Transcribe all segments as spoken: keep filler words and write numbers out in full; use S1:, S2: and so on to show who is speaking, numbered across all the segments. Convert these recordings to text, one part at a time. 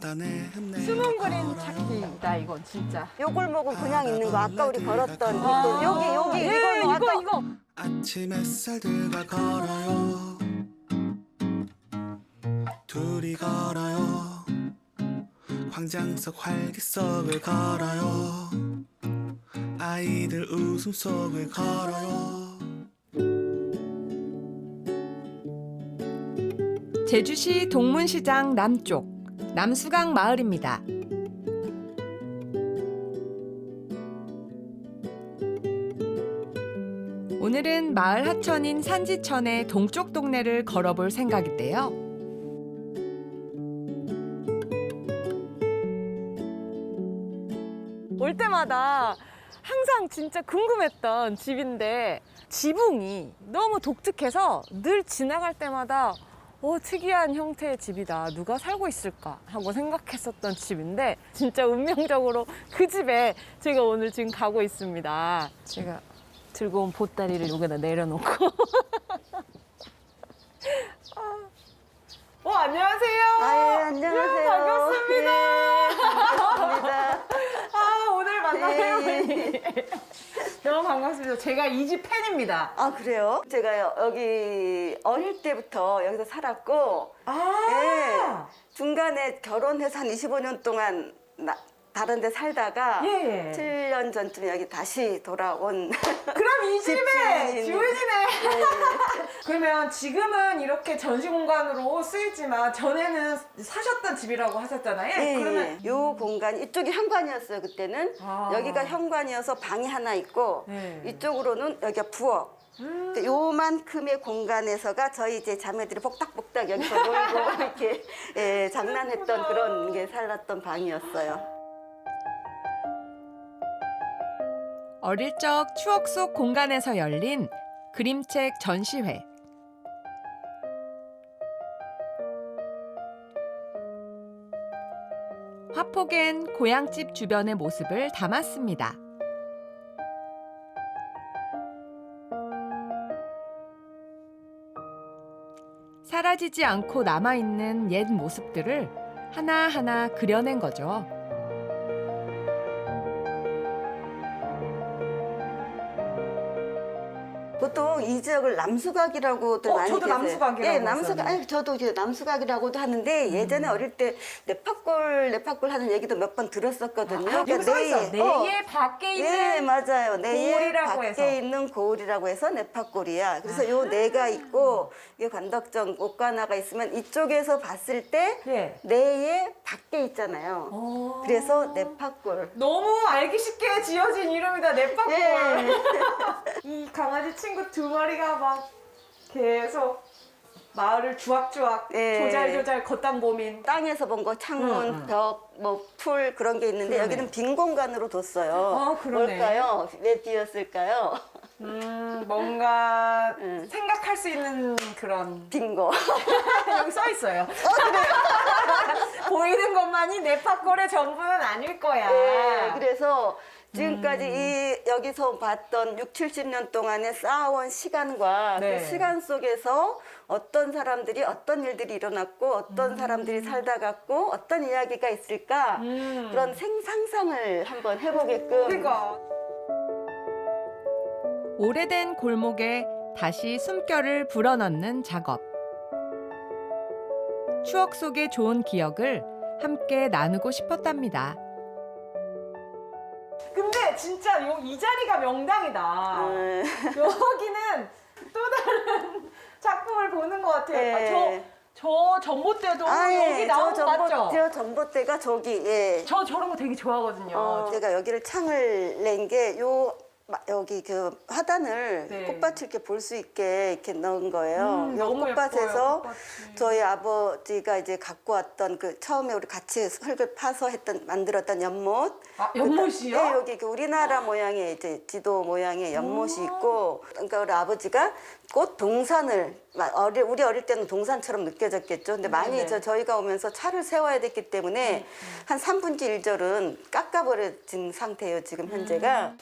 S1: 숨은 그림 찾기다 이건 진짜.
S2: 요 골목은 그냥 있는 거 아까 우리 걸었던
S1: 아,
S2: 이 골- 여기 여기 이
S1: 예,
S2: 골목
S1: 이거
S2: 아까
S1: 이거.
S3: 아침 햇살들과 걸어요. 둘이 걸어요. 광장 속 활기 속을 걸어요. 아이들 웃음 속을 걸어요.
S4: 제주시 동문시장 남쪽 남수강 마을입니다. 오늘은 마을 하천인 산지천의 동쪽 동네를 걸어볼 생각인데요.
S1: 올 때마다 항상 진짜 궁금했던 집인데 지붕이 너무 독특해서 늘 지나갈 때마다 어, 특이한 형태의 집이다. 누가 살고 있을까 하고 생각했었던 집인데 진짜 운명적으로 그 집에 제가 오늘 지금 가고 있습니다. 제가 들고 온 보따리를 여기다 내려놓고 어, 안녕하세요.
S2: 아, 예, 안녕하세요.
S1: 네, 반갑습니다.
S2: 네, 반갑습니다.
S1: 아, 오늘 만나요.
S2: 네.
S1: 너무 반갑습니다. 제가 이 집 팬입니다.
S2: 아 그래요? 제가 여- 여기 어릴 때부터 여기서 살았고
S1: 아,
S2: 예, 중간에 결혼해서 한 이십오 년 동안 나, 다른 데 살다가
S1: 예.
S2: 칠 년 전쯤 여기 다시 돌아온
S1: 그럼 이 집의
S2: 집주인이네.
S1: 주인이네. 그러면 지금은 이렇게 전시 공간으로 쓰이지만 전에는 사셨던 집이라고 하셨잖아요.
S2: 예,
S1: 그러면
S2: 예. 요 공간 이쪽이 현관이었어요 그때는.
S1: 아.
S2: 여기가 현관이어서 방이 하나 있고
S1: 네.
S2: 이쪽으로는 여기가 부엌.
S1: 음.
S2: 근데 요만큼의 공간에서가 저희 이제 자매들이 복닥복닥 여기서 놀고 이렇게 예, 장난했던 그런 게 살았던 방이었어요.
S4: 어릴 적 추억 속 공간에서 열린 그림책 전시회. 화폭엔 고향집 주변의 모습을 담았습니다. 사라지지 않고 남아있는 옛 모습들을 하나하나 그려낸 거죠.
S2: 보통 이 지역을 남수각이라고도
S1: 어,
S2: 많이
S1: 저도
S2: 계세요.
S1: 남수각이라고
S2: 예, 남수각.
S1: 했었는데.
S2: 아니, 저도 이제 남수각이라고도 하는데 예전에 어릴 때 네파골 네파골 하는 얘기도 몇 번 들었었거든요.
S1: 아, 여기 써 있어.
S2: 내에, 어,
S1: 내에 밖에 있는
S2: 예, 맞아요. 내에
S1: 고을이라고
S2: 밖에
S1: 해서.
S2: 있는 고을이라고 해서 네파골이야. 그래서 요 내가 있고 이게 관덕정 옷가나가 있으면 이쪽에서 봤을 때
S1: 예.
S2: 내에 밖에 있잖아요.
S1: 어.
S2: 그래서 네파골.
S1: 너무 알기 쉽게 지어진 이름이다. 내빠골.
S2: 예.
S1: 이 강아지 친구 두 마리가 막 계속 마을을 주악주악
S2: 예.
S1: 조잘조잘 걷다 보민.
S2: 땅에서 본 거 창문,
S1: 응, 응.
S2: 벽, 뭐 풀 그런 게 있는데
S1: 그러네.
S2: 여기는 빈 공간으로 뒀어요.
S1: 아, 그러네.
S2: 뭘까요? 왜 비었을까요?
S1: 음, 뭔가
S2: 응.
S1: 생각할 수 있는 그런
S2: 빈 거.
S1: 여기 써 있어요. 보이는 것만이 네파골의 전부는 아닐 거야.
S2: 예, 그래서
S1: 음.
S2: 지금까지 이 여기서 봤던 육, 칠십 년 동안에 쌓아온 시간과
S1: 네.
S2: 그 시간 속에서 어떤 사람들이 어떤 일들이 일어났고 어떤 사람들이 살다 갔고 어떤 이야기가 있을까
S1: 음.
S2: 그런 생상상을 한번 해보게끔
S1: 그러니까.
S4: 오래된 골목에 다시 숨결을 불어넣는 작업. 추억 속의 좋은 기억을 함께 나누고 싶었답니다.
S1: 근데 진짜 요, 이 자리가 명당이다.
S2: 음.
S1: 여기는 또 다른 작품을 보는 것 같아요.
S2: 예.
S1: 아, 저, 저 전봇대도
S2: 아,
S1: 여기
S2: 예,
S1: 나온
S2: 저
S1: 거 맞죠?
S2: 전봇, 저 전봇대가 저기, 예.
S1: 저 저런 거 되게 좋아하거든요.
S2: 어, 제가 여기를 창을 낸 게 요 여기 그 화단을
S1: 네.
S2: 꽃밭을 이렇게 볼 수 있게 이렇게 넣은 거예요.
S1: 음,
S2: 요
S1: 너무 예뻐요,
S2: 꽃밭에서
S1: 꽃밭이.
S2: 저희 아버지가 이제 갖고 왔던 그 처음에 우리 같이 흙을 파서 했던 만들었던 연못.
S1: 아, 연못이요?
S2: 네, 여기 그 우리나라 모양의 이제 지도 모양의 연못이 있고, 그러니까 우리 아버지가 꽃 동산을 마- 어리- 우리 어릴 때는 동산처럼 느껴졌겠죠. 근데 많이
S1: 네네.
S2: 저 저희가 오면서 차를 세워야 됐기 때문에 한 삼 분의 일 절은 깎아버려진 상태예요. 지금 현재가.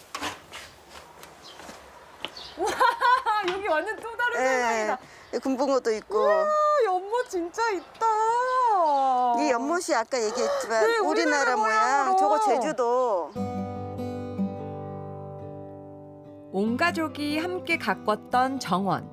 S1: 아, 여기 완전 또 다른 세상이다.
S2: 예, 금붕어도 있고.
S1: 아, 연못 진짜 있다.
S2: 이 연못이 아까 얘기했지만
S1: 네,
S2: 우리나라
S1: 우리나라
S2: 모양,
S1: 모양으로.
S2: 저거 제주도.
S4: 온 가족이 함께 가꿨던 정원.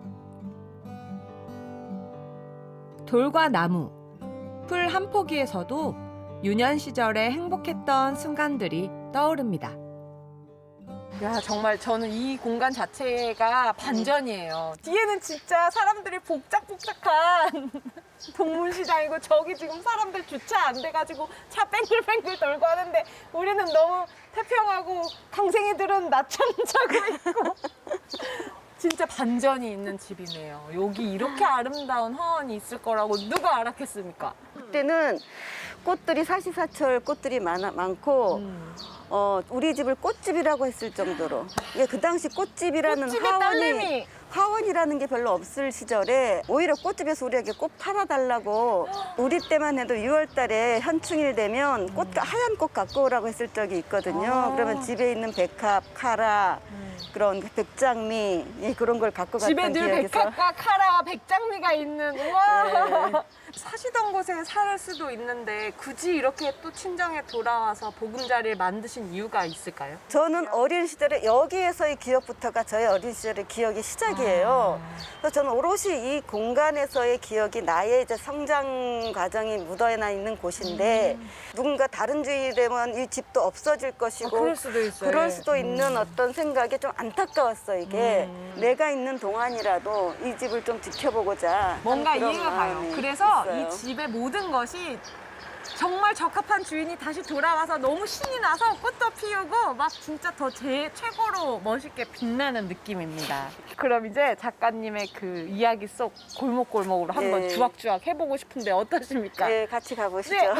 S4: 돌과 나무, 풀 한 포기에서도 유년 시절에 행복했던 순간들이 떠오릅니다.
S1: 야, 정말 저는 이 공간 자체가 반전이에요. 뒤에는 진짜 사람들이 복작복작한 동문시장이고 저기 지금 사람들 주차 안 돼가지고 차 뺑글뺑글 돌고 하는데 우리는 너무 태평하고 강생이들은 낮잠 자고 있고 진짜 반전이 있는 집이네요. 여기 이렇게 아름다운 화원이 있을 거라고 누가 알았겠습니까?
S2: 그때는 꽃들이 사시사철 꽃들이 많아, 많고
S1: 음.
S2: 어, 우리 집을 꽃집이라고 했을 정도로. 이게 그 당시 꽃집이라는
S1: 꽃집의
S2: 화원이
S1: 딸내미.
S2: 화원이라는 게 별로 없을 시절에 오히려 꽃집에서 우리에게 꽃 팔아달라고 우리 때만 해도 유월 달에 현충일 되면 꽃 하얀 꽃 갖고 오라고 했을 적이 있거든요.
S1: 아.
S2: 그러면 집에 있는 백합, 카라, 그런 백장미 예, 그런 걸 갖고
S1: 집에
S2: 갔던
S1: 늘
S2: 기억이 있어요.
S1: 백합과 카라, 백장미가 있는 우와.
S2: 네.
S1: 사시던 곳에 살 수도 있는데 굳이 이렇게 또 친정에 돌아와서 보금자리를 만드신 이유가 있을까요?
S2: 저는 어린 시절에 여기에서의 기억부터가 저의 어린 시절의 기억의 시작이에요. 그래서 저는 오롯이 이 공간에서의 기억이 나의 이제 성장 과정이 묻어나 있는 곳인데 누군가 다른 주인이 되면 이 집도 없어질 것이고
S1: 아, 그럴 수도 있어요.
S2: 그럴 수도 있는 어떤 생각이 좀 안타까웠어 이게. 내가 있는 동안이라도 이 집을 좀 지켜보고자
S1: 뭔가
S2: 하는 그런
S1: 이해가 가요.
S2: 마음이
S1: 그래서
S2: 있어요.
S1: 이 집의 모든 것이 정말 적합한 주인이 다시 돌아와서 너무 신이 나서 꽃도 피우고 막 진짜 더 제 최고로 멋있게 빛나는 느낌입니다. 그럼 이제 작가님의 그 이야기 속 골목골목으로 한번
S2: 네.
S1: 주악주악 해보고 싶은데 어떠십니까?
S2: 네, 같이 가보시죠.
S1: 네.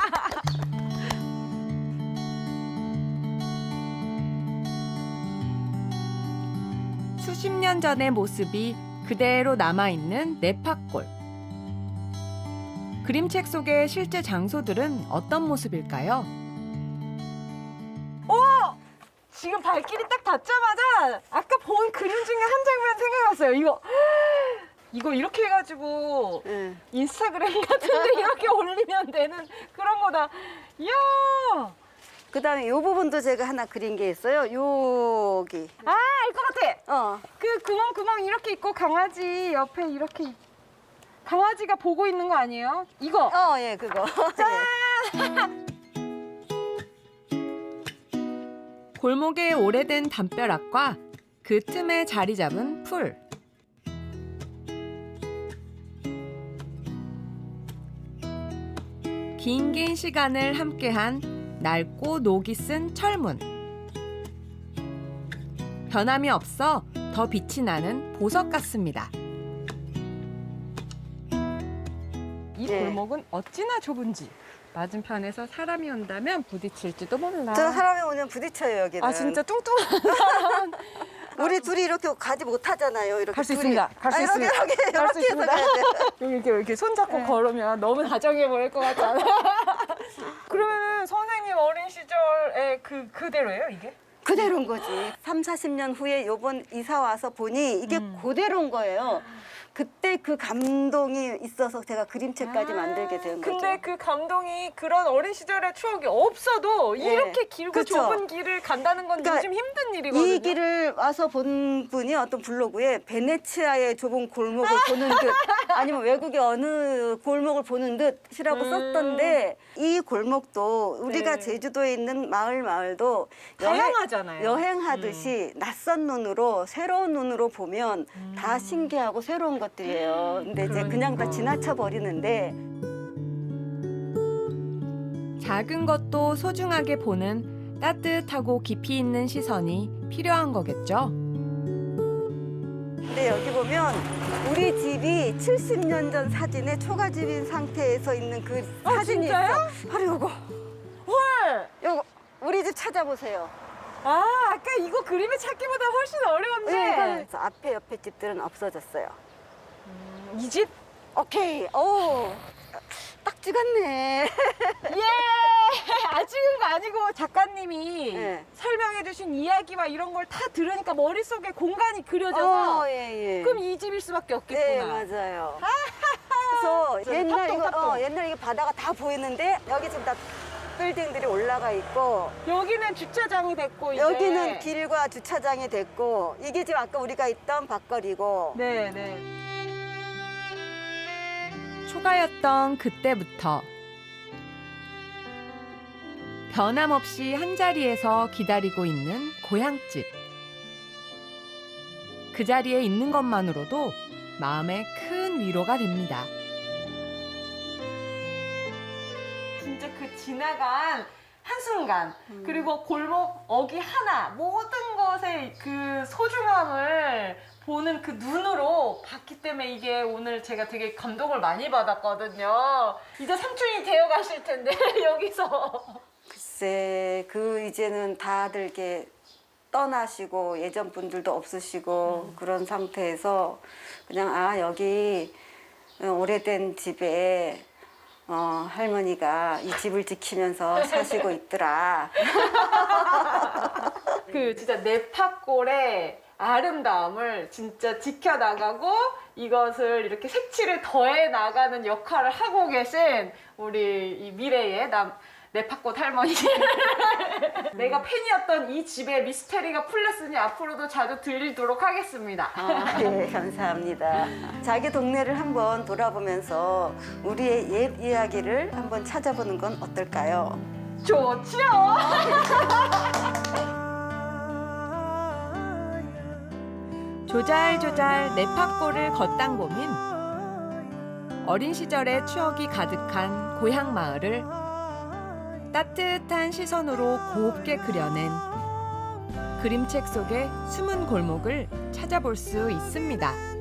S4: 수십 년 전의 모습이 그대로 남아있는 네파골. 그림책 속의 실제 장소들은 어떤 모습일까요?
S1: 지금 발길이 딱 닿자마자 아까 본 그림 중에 한 장면 생각났어요. 이거 이거 이렇게 해가지고
S2: 네.
S1: 인스타그램 같은데 이렇게 올리면 되는 그런 거다. 이야.
S2: 그다음에 이 부분도 제가 하나 그린 게 있어요. 여기.
S1: 아, 알 것 같아.
S2: 어.
S1: 그 구멍 구멍 이렇게 있고 강아지 옆에 이렇게 있- 강아지가 보고 있는 거 아니에요? 이거.
S2: 어, 예, 그거.
S4: 골목의 오래된 담벼락과 그 틈에 자리 잡은 풀. 긴 긴 시간을 함께한 낡고 녹이 쓴 철문. 변함이 없어 더 빛이 나는 보석 같습니다.
S1: 이
S2: 네.
S1: 골목은 어찌나 좁은지 맞은편에서 사람이 온다면 부딪힐지도 몰라.
S2: 저 사람이 오면 부딪혀요, 여기는.
S1: 아 진짜 뚱뚱한.
S2: 우리 둘이 이렇게 가지 못하잖아요. 이렇게
S1: 갈 수
S2: 둘이.
S1: 있습니다. 갈 수
S2: 아,
S1: 있습니다.
S2: 이렇게, 이렇게,
S1: 갈 수
S2: 이렇게 해서
S1: 있습니다.
S2: 가야 돼요.
S1: 여기 이렇게 이렇게 손잡고
S2: 네.
S1: 걸으면 너무 다정해 보일 것 같잖아. 그러면은 선생님 어린 시절에 그 그대로예요 이게?
S2: 그대로인 거지. 삼, 사십 년 후에 요번 이사 와서 보니 이게
S1: 음.
S2: 그대로인 거예요. 그때 그 감동이 있어서 제가 그림책까지
S1: 아,
S2: 만들게 된 거죠.
S1: 근데 그 감동이 그런 어린 시절의 추억이 없어도
S2: 예.
S1: 이렇게 길고
S2: 그쵸.
S1: 좁은 길을 간다는 건
S2: 그러니까
S1: 요즘 힘든 일이거든요.
S2: 이 길을 와서 본 분이 어떤 블로그에 베네치아의 좁은 골목을 보는 듯 아니면 외국의 어느 골목을 보는 듯이라고
S1: 음.
S2: 썼던데 이 골목도 우리가
S1: 네.
S2: 제주도에 있는 마을 마을도
S1: 다양하잖아요.
S2: 여행하듯이 낯선 눈으로 새로운 눈으로 보면
S1: 음.
S2: 다 신기하고 새로운 것들이에요. 근데 이제 그냥 다 지나쳐 버리는데
S4: 작은 것도 소중하게 보는 따뜻하고 깊이 있는 시선이 필요한 거겠죠.
S2: 근데 여기 보면 우리 집이 칠십 년 전 사진에 초가집인 상태에서 있는 그
S1: 아,
S2: 사진이
S1: 진짜요?
S2: 있어. 바로 요거.
S1: 헐!
S2: 요거 우리 집 찾아보세요.
S1: 아, 아까 이거 그림을 찾기보다 훨씬 어려운데.
S2: 네. 그래서 앞에 옆에 집들은 없어졌어요.
S1: 이 집?
S2: 오케이. 오. 딱 찍었네.
S1: 예! 아, 찍은 거 아니고 작가님이
S2: 네.
S1: 설명해주신 이야기와 이런 걸 다 들으니까 머릿속에 공간이 그려져서
S2: 어, 예, 예.
S1: 그럼 이 집일 수밖에
S2: 네,
S1: 없겠구나.
S2: 맞아요. 있어. 옛날
S1: 탑동,
S2: 이거
S1: 탑동.
S2: 어, 옛날 이게 바다가 다 보이는데 여기 지금 다 빌딩들이 올라가 있고
S1: 여기는 주차장이 됐고 이제
S2: 여기는 길과 주차장이 됐고 이게 지금 아까 우리가 있던 밭거리고
S1: 네, 네.
S4: 초가였던 그때부터 변함없이 한자리에서 기다리고 있는 고향집. 그 자리에 있는 것만으로도 마음에 큰 위로가 됩니다.
S1: 진짜 그 지나간 한순간 그리고 골목 어기 하나 모든 것의 그 소중함을 보는 그 눈으로 봤기 때문에 이게 오늘 제가 되게 감동을 많이 받았거든요. 이제 삼촌이 되어 가실 텐데 여기서
S2: 글쎄 그 이제는 다들 이렇게 떠나시고 예전 분들도 없으시고
S1: 음.
S2: 그런 상태에서 그냥 아 여기 오래된 집에 어, 할머니가 이 집을 지키면서 사시고 있더라.
S1: 그 진짜 네파골의 아름다움을 진짜 지켜나가고 이것을 이렇게 색칠을 더해 나가는 역할을 하고 계신 우리 이 미래의 남 네파꽃 할머니. 내가 팬이었던 이 집의 미스테리가 풀렸으니 앞으로도 자주 들리도록 하겠습니다.
S2: 아, 네, 감사합니다. 자기 동네를 한번 돌아보면서 우리의 옛 이야기를 한번 찾아보는 건 어떨까요?
S1: 좋지요.
S4: 조잘조잘 네파골을 걷단 고민. 어린 시절의 추억이 가득한 고향 마을을 따뜻한 시선으로 곱게 그려낸 그림책 속의 숨은 골목을 찾아볼 수 있습니다.